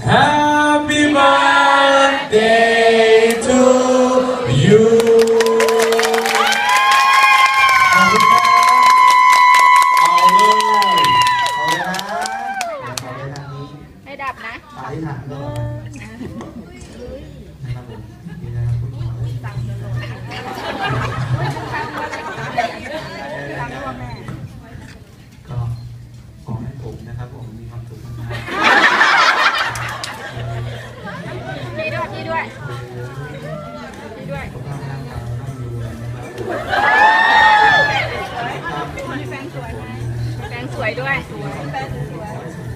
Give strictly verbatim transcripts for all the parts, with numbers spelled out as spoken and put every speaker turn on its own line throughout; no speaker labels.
Happy birthday to you
ขอบคุณครับเอาเลยเอาเลยนะขอเลยทางนี้
ไม่ดับนะ
สายถังเลยนะครับผมนี่นะครับคุณหมอก็ขอให้ผมนะครับผมมีความสุขมากๆ
นี่ด้วยนี่ด้วยนี่ด้วย
สุขภาพร่างกายร่ำรวยนะครับ
แฟนสวยแฟนสวยด้วยแฟนสวย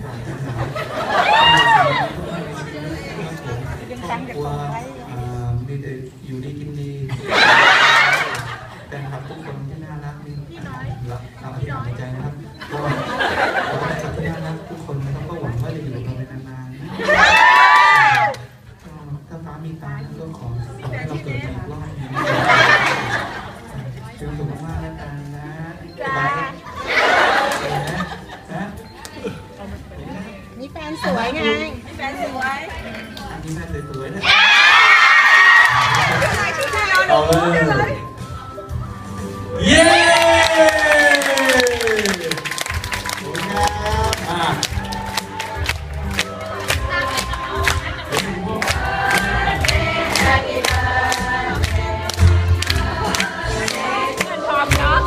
ยังตั้งแต่ก่อนไว้
มีแต่อยู่ดีกินดีแต่ครับทุกคนที่น่ารักนี่รักเราที่ในใจนะครับก็ขอให้สัตว์ที่น่ารักทุกคนนะครับก็หวังว่าจะอยู่กับเราไปนานๆก็ถ้าฟ้ามีตาก็ขอให้เราเกิดอีกรอบนึงเป็นสุขมากแล้วกันนะนะ
มีแฟนสวยไงมีแฟนสวย
อันนี้แม่สวยๆนะ
เอาเลยเย้อ่ะ
พร้อมเนาะ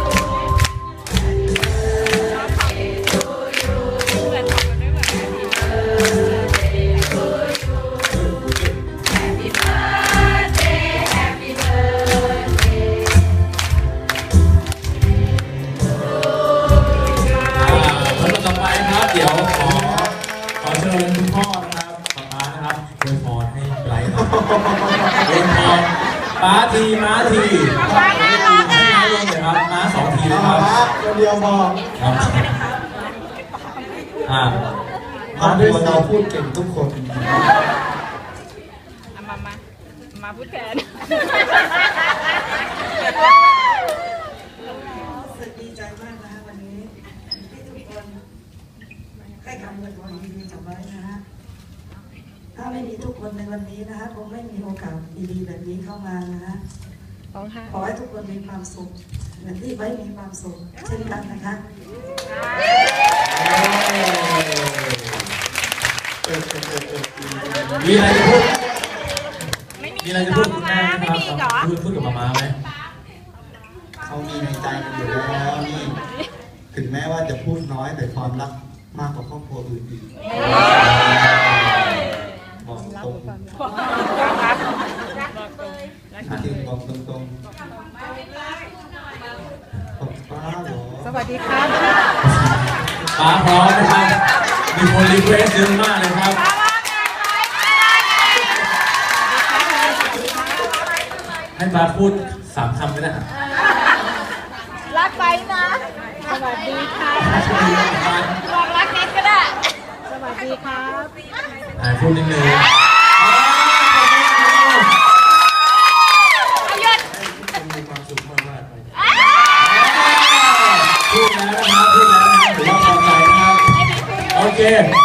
เดี๋ยวขอขอเชิญคุณพ่อนะครับป๊านะครับอวยพรให้ไบรท์ครับอวยพรป๊าทีม้าทีม้าน่ารักอ่ะม้าลงเลยครับม้าสองทีนะครับ
ตัวเดียวพอ
ครับอ่า
มาด้วยเราพูดเก่งทุกคน
มา มา มาพูดแทน
รู้สึกดีใจมากนะฮะวันนี้ที่ทุกคนให้คำอวยพรดีๆกับไว้นะฮะถ้าไม่มีทุกคนในวันนี้นะฮะคงไม่มีโอกาสดีๆแบบนี้เข้ามานะฮะขอให้ทุกคนมีความสุขเหมือนที่ไว้มีความสุขเช่นกันนะคะ
มีอะไรจะพูด
ไม่มี
มีอะไรจะพูดคุณแม่ไหม
ไม่
ครับ
มีเหรอ
พูดพูดกับมาม่าไหม
เขามีในใจกันอยู่แล้วนี่ถึงแม้ว่าจะพูดน้อยแต่ความรักมากกว่าครอบครัวอื่นอีกบอกตรงจริงบอกตรงๆบอกป้าเหรอ
สวัสดีครับ
ป๊าพร้อมนะครับมีคนรีเควสเยอะมากเลยครับให้ป๊าพูดสามคำก็ได้
รักไปนะ สวัสดีค่ะบอกรักนิดก็ได้ สวัสดีครับ
อ่าพูดนิดนึง
อายุด
มีความสุขมากๆเลย
พูดแล้วนะครับพูดแล้วนะครับถือว่าพอใจนะครับโอเค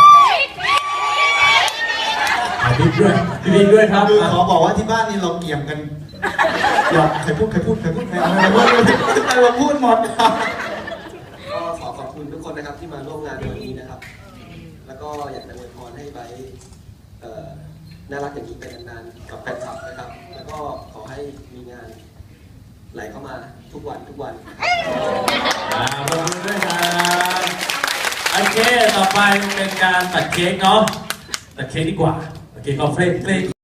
พี่ด้วยพี่ด้วยครับ
คือขอบอกว่าที่บ้านนี่เราเกี่ยมกันอย่าใครพูดใครพูดใครพูดใครพูดใครพูดใครมาพูดหมดครับ
ก็ขอขอบคุณทุกคนนะครับที่มาร่วมงานในวันนี้นะครับ แล้วก็อยากจะอวยพรให้ไบร์ทเอ่อน่ารักอย่างนี้ไปนานๆกับแฟนคลับนะครับ แล้วก็ขอให้มีงานไหลเข้ามาทุกวันทุกวันนะครับ
อ่าขอบคุณด้วยครับโอเคต่อไปเป็นการตัดเค้กเนาะตัดเค้กดีกว่าโอเคก็เฟรนเฟรน